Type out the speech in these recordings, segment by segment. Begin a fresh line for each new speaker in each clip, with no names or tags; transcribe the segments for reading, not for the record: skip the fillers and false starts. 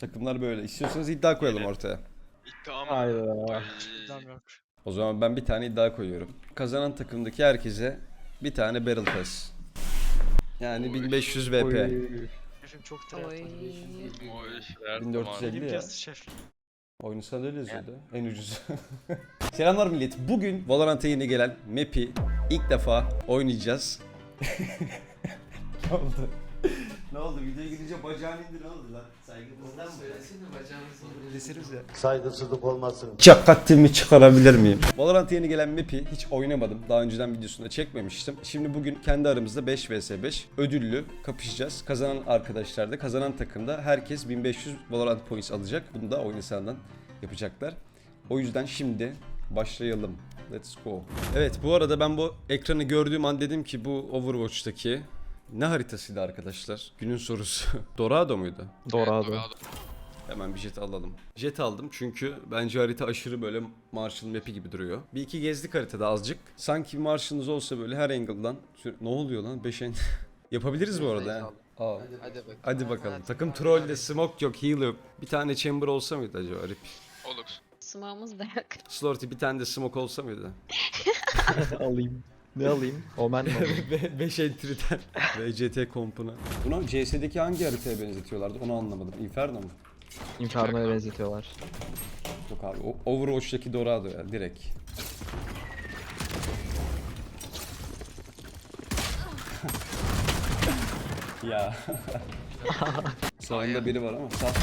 Takımlar böyle. İstiyorsanız iddia koyalım ortaya.
İddia mı?
Hayda.
Ay.
İddiam yok.
O zaman ben bir tane iddia koyuyorum. Kazanan takımdaki herkese bir tane Barrel Pass. Yani
Oy.
1500 VP.
Şefim çok tryhard.
Oy.
1450
Elim
ya.
kesti şef.
Oyunu sana öyle yazıyordu. En ucuz. Selamlar millet. Bugün Valorant'a yeni gelen map'i ilk defa oynayacağız. Ne oldu? Ne oldu? Videoya girince bacağını indir, ne oldu lan? Saygımızdan mı?
Söylesene bacağınızı olur.
Deseniz ya.
Saygısızlık olmasın.
Cakattimi çıkarabilir miyim? Valorant'a yeni gelen map'i hiç oynamadım. Daha önceden videosunda çekmemiştim. Şimdi bugün kendi aramızda 5 vs 5 ödüllü kapışacağız. Kazanan arkadaşlar da, kazanan takımda herkes 1500 Valorant points alacak. Bunu da oyun hesabından yapacaklar. O yüzden şimdi başlayalım. Let's go. Evet, bu arada ben bu ekranı gördüğüm an dedim ki bu Overwatch'taki ne haritasıydı arkadaşlar? Günün sorusu. Dorado muydu?
Dorado.
Hemen bir jet alalım. Jet aldım çünkü bence harita aşırı böyle Marshall map'i gibi duruyor. Bir iki gezdik haritada azıcık. Sanki Marshall'ınız olsa böyle her angle'dan. Ne oluyor lan? 5 end. Yapabiliriz bu arada ha. Aa.
Hadi bakalım.
Hadi bakalım. Takım trollde, smoke yok, heal yok. Bir tane chamber olsa mıydı acaba? Rip.
Olur.
Sımağımız da yok.
Slorty bir tane de smoke olsa mıydı?
Alayım. Ne alayım? Omen mi alayım?
5 entry'den VCT kompuna. Bunu CS'deki hangi haritaya benzetiyorlardı onu anlamadım. Inferno mu?
Inferno'ya benzetiyorlar.
Yok abi. Overwatch'taki Dorado ya direkt. Ya. Sağında biri var ama sağ.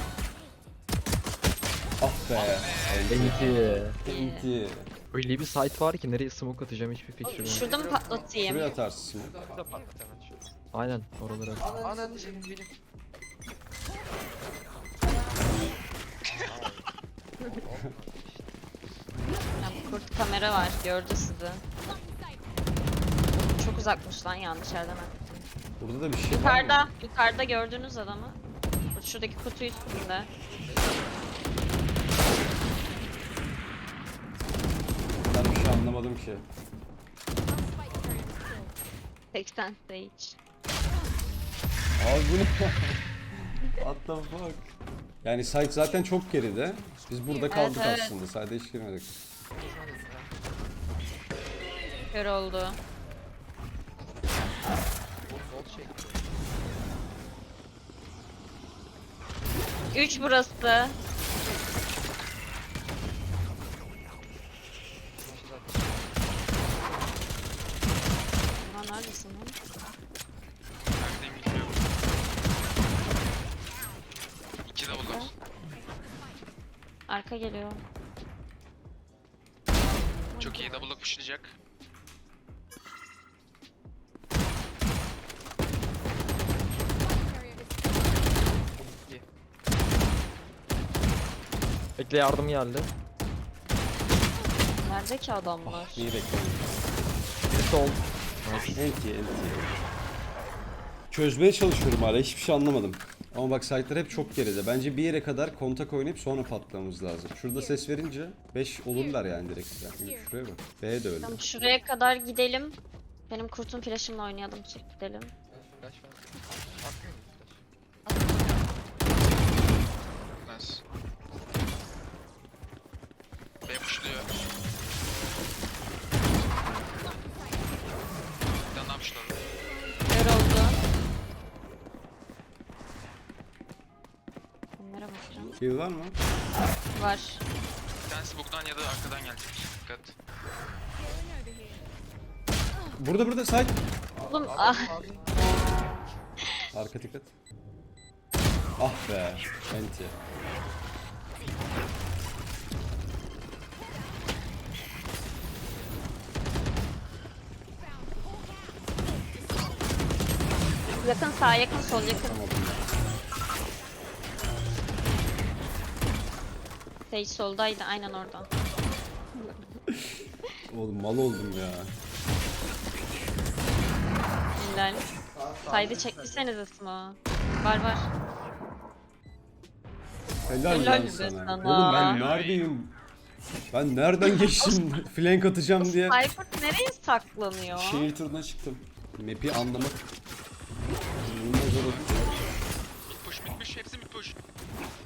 Ah be.
Enti.
Enti.
Öyle bir site var ki nereye smoke atacağım hiçbir fikrim yok.
Şurada mı patlatayım?
Şuraya atarsın.
Burada patlat hemen şöyle.
Aynen oralara.
Ananı benim.
Ya, kurt kamera var. Gördü sizi. Çok uzakmış lan, yanlış yerden attım.
Burada da bir şey var mı?
Yukarıda gördüğünüz adamı. Şuradaki kutu üstünde.
Ben bir şey anlamadım ki.
80 stage.
Abi bu ne? What the fuck? Yani site zaten çok geride. Biz burada kaldık
evet.
aslında. Site'e hiç girmedik.
Kör oldu. Üç burası. Lan neredesin lan?
Neredeyim bilmiyorum. 2 de olur.
Arka geliyor.
Çok iyi double'lık pushlayacak.
Bekle yardım geldi.
Nerede ki adamlar?
Neyi bekliyorum?
Bir sol.
Enti. Çözmeye çalışıyorum hala. Hiçbir şey anlamadım. Ama bak site'ler hep çok geride. Bence bir yere kadar kontak oynayıp sonra patlamamız lazım. Şurada ses verince 5 olurlar yani direkt. Yani şuraya bak. B de öyle.
Tamam, şuraya kadar gidelim. Benim kurtun flash'ımla oynayalım, gidelim.
Flash var.
Nice. B pushluyor. Bir tane daha pushladı.
Kör oldu. Bunlara bakacağım.
Heal var mı?
Var.
Bir tanesi bug'dan ya da arkadan gelecek. Dikkat.
Burada site.
Oğlum ah.
Arka dikkat. Ah be. Enti.
Yakın sağ, yakın sol, yakın. Sage soldaydı, aynen orada.
Oğlum mal oldum ya.
Helal. Saydı çekmişseniz ismi. Var.
Helal
Helal
lan
be
sana.
sana.
Oğlum ben neredeyim? Ben nereden geçtim? Flank atacağım diye.
Cypher nereye saklanıyor?
Şehir turuna çıktım. Map'i anlamak. İnanılmaz zor oldu.
Mid push, hepsi mid push.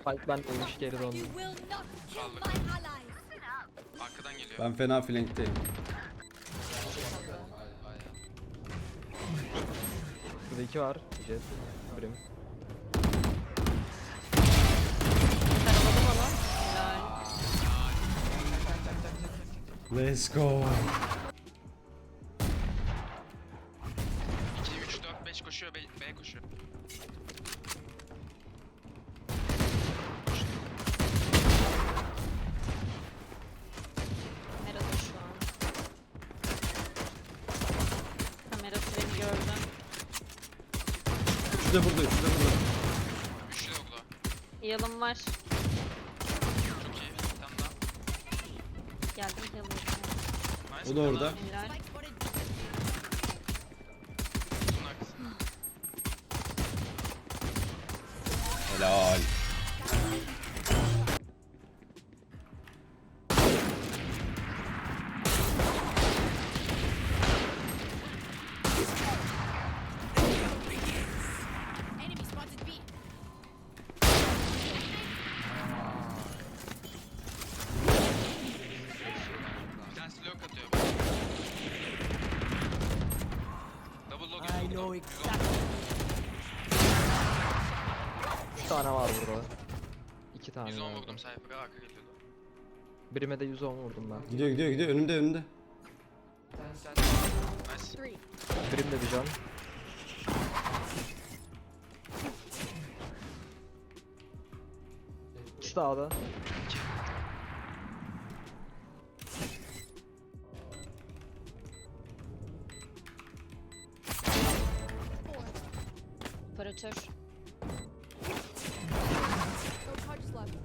Spike ben ölmüş geri döndüm.
You will not kill
Aldık.
my allies.
Arkadan geliyor.
Ben fena flankteyim.
Burada 2 var. Jet. Brim.
Karaladım onu. Helal.
Let's go.
2, 3, 4, 5 koşuyor. B koşuyor.
Nerede şu an? Kamera freni gördüm.
Üçü de burada, üçü de burada.
Üçlü de burada.
Heal'ım var.
Çok iyi. Bir tane daha.
Geldim heal'ım.
Nice.
O da orada.
Helal.
Spike spotted.
Bunun arkasında.
Helal.
Enemy spotted B.
Bir tanesi lock atıyor. Double lock atıyor.
3 tane var burada. 2 tane
110
var.
vurdum sayfaya, arka geliyordu.
Brim'e de 110 vurdum ben.
Gidiyor, gidiyor, gidiyor. Önümde, önümde.
Nice.
Brim de bir can. İkisi de A'da.
Operatör.
No charges left.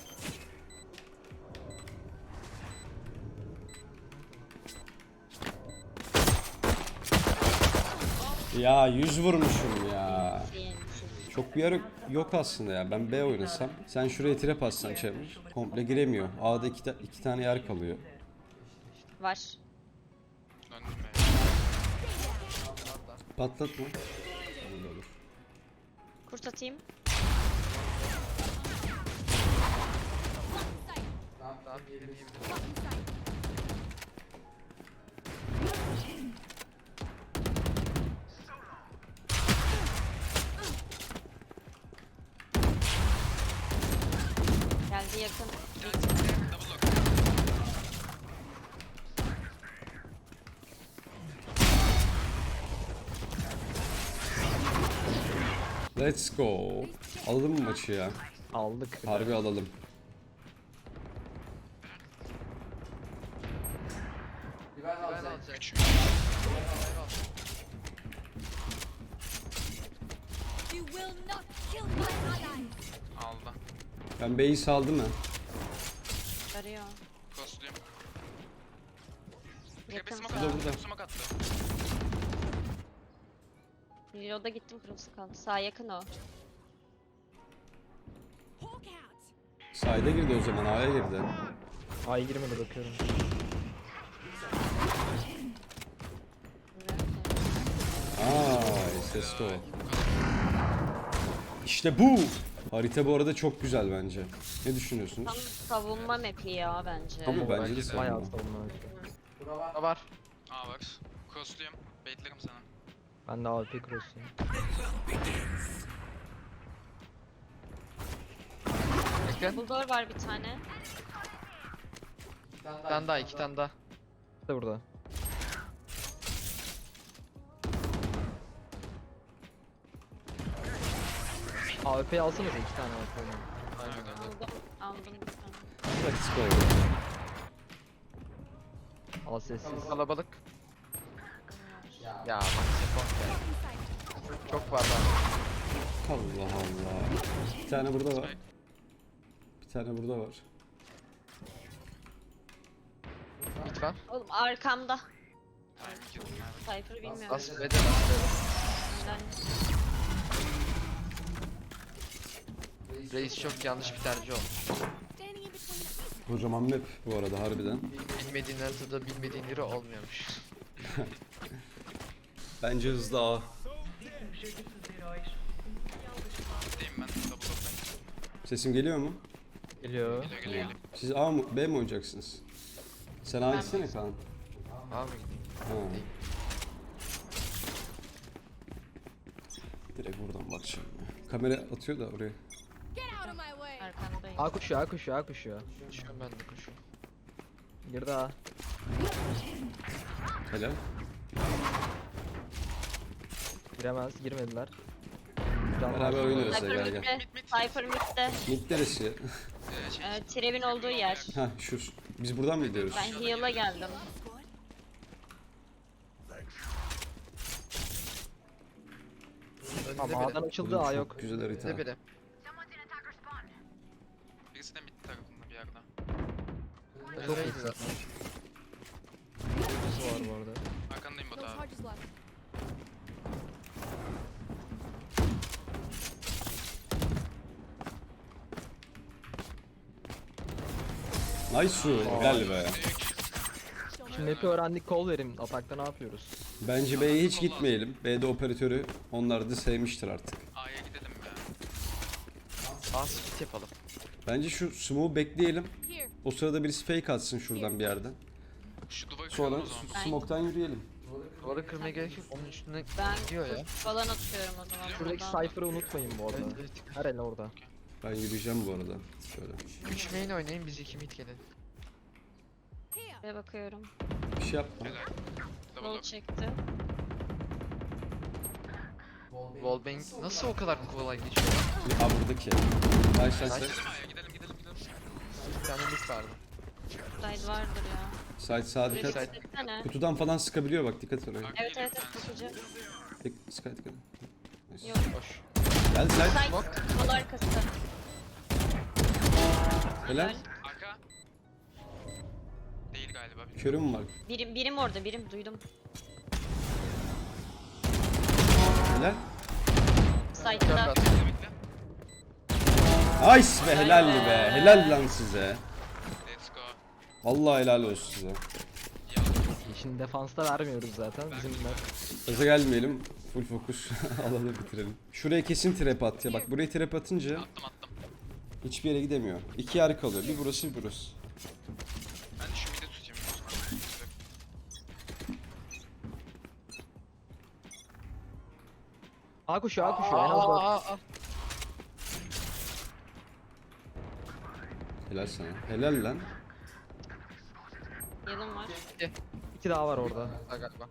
Ya 100 vurmuşum ya.
Değil.
Çok bir yer yok aslında ya. Ben B oynasam. Sen şuraya trap atsan çevir. Komple giremiyor. A'da iki tane yer kalıyor.
Var.
Döndüm be.
Patlatma. Olur olur.
Kurt atayım.
Tamam yedim.
Geldi yakın.
Double lock.
Let's go. Alalım mı maçı ya?
Aldık.
Harbi alalım.
Ben alacağım.
3.
You will not kill my allies.
Aldı.
Ben B'yi saldım ha.
Arıyor.
Costluyum.
Yakın.
Tepe smoke
Burada,
attı.
burada.
Tepe smoke attı.
Reload'a gittim, kırmızı kaldı. Sağ yakın o.
Hawk out.
Side'e girdi o zaman. A'ya girdi.
A'ya girmedi bakıyorum.
Let's go. İşte bu. Harita bu arada çok güzel bence. Ne
Tam
düşünüyorsunuz?
savunma map'i ya bence.
Tabii bence de
bence de.
Bayağı
savunma.
savunma.
Burada var.
A var. Costluyum. Baitlerim sana.
Ben de AWP cross'uyum.
Bekle.
Bulldor var bir tane.
Bir tane daha, 2 tane daha.
De burada. AWP'yi alsanıza 2 tane AWP.
Aldım. Aldım bir tane.
Let's go.
Al sessiz.
Kalabalık. Ya bak Sepon ya. Çok var daha.
Allah Allah. Bir tane burada var. Bir tane burada var.
Bit var.
Oğlum arkamda.
Hayır, girdim abi.
Cypher'ı bilmiyorum.
As B'de var.
Helal.
Reis çok yanlış bir tercih olmuş.
Standing in between.
Kocaman map bu arada harbiden.
Bilmediğin haritada bilmediğin yeri olmuyormuş.
Bence hızlı A.
Gideyim ben. Double lock'tan.
Sesim geliyor mu?
Geliyor.
Geliyor geliyor.
Siz A mı B mi oynayacaksınız? Sen A gitsene Kaan.
Abi gideyim.
Ha. Direkt buradan bakacağım ya. Kamera atıyor da oraya.
Get out of my way.
Arkandayım.
A koşuyor, A koşuyor, A koşuyor.
Koşuyorum ben de koşuyorum.
Girdi A.
Helal.
Giremez, girmediler.
Beraber oynarız ya,
Cypher
gel gel.
midde. Cypher midde.
Mid neresi?
Trev'in olduğu yer.
Ha şu. Biz buradan mı gidiyoruz?
Ben heal'a geldim.
Önünde
Ama
biri.
A'dan açıldı,
Oğlum
A
çok
yok.
Güzel harita.
Önünde biri.
Birisi de mid tarafında bir yerde.
Çok
Önündeydi
iyi.
zaten.
Uykusu var bu arada.
Arkandayım
No
Batu abi.
charges left.
Nice. Helal be.
Şimdi map'i öğrendik, kol verin. Atakta ne yapıyoruz?
Bence B'ye hiç gitmeyelim. B'de operatörü onlar da sevmiştir artık.
A'ya gidelim ya.
A split yapalım.
Bence şu smoke'u bekleyelim.
Here.
O sırada birisi fake atsın şuradan bir yerden.
Şu duvarı
Sonra
kıralım o zaman.
smoke'tan yürüyelim.
Duvarı kırmaya gerek yok. Onun üstüne
Ben
gidiyor ya.
falan atıyorum o zaman.
Şuradaki
buradan.
Cypher'ı unutmayın bu arada.
Evet, evet.
Her el orada.
Ben yürüyeceğim bu arada. Şöyle.
3 main oynayın, biz 2 mid gelin.
Here.
Buraya bakıyorum.
Bir şey yapma.
Helal. Double
Wall
lock.
çekti.
Wallbang nasıl o kadar kolay geçiyor?
Aa buradaki. Nice nice.
Nice.
nice.
Gidelim A'ya gidelim gidelim gidelim.
Bir tane mid vardı.
Side vardır ya.
Side sağa
Buraya
dikkat.
dikkat etsene.
Kutudan falan sıkabiliyor bak dikkat et oraya.
Evet evet evet bakıcı.
Sky dikkat. Nice.
Yok.
Hoş.
Gel side.
Side. Wall arkası.
Helal.
Arka. Değil galiba. bilmiyorum.
Körüm var.
Birim orada birim duydum.
Helal.
Side'da.
Bekle bekle.
Nice be helal be. Helal lan size.
Let's go.
Vallahi helal olsun size.
Ya
Şimdi defansta vermiyoruz zaten. Bizim map.
Gaza gelmeyelim. Full fokus alalım bitirelim. Şuraya kesin trap at ya. Bak buraya trap atınca
attım attım.
hiçbir yere gidemiyor. İki yer kalıyor. Bir burası bir burası.
Ben de şu mid'e tutacağım.
A koşuyor, A koşuyor. En az 4.
Aa.
Helal sana. Helal lan.
Yılım var.
2 daha var orada.
Galiba.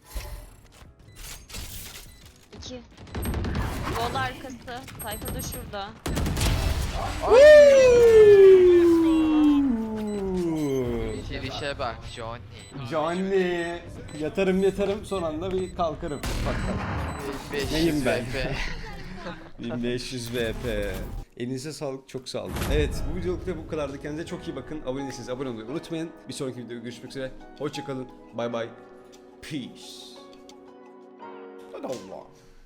2. Wall arkası. Cypher da şurada.
Girişe bak Johnny.
Johnny. Yatarım son anda bir kalkarım. Bak bak.
500
Neyim ben?
VP.
1500 VP. Elinize sağlık, çok sağ olun. Evet, bu videoluk da bu kadardı. Kendinize çok iyi bakın. Abone değilseniz abone olmayı unutmayın. Bir sonraki videoda görüşmek üzere. Hoşçakalın. Bye bye. Peace. Hadi Allah.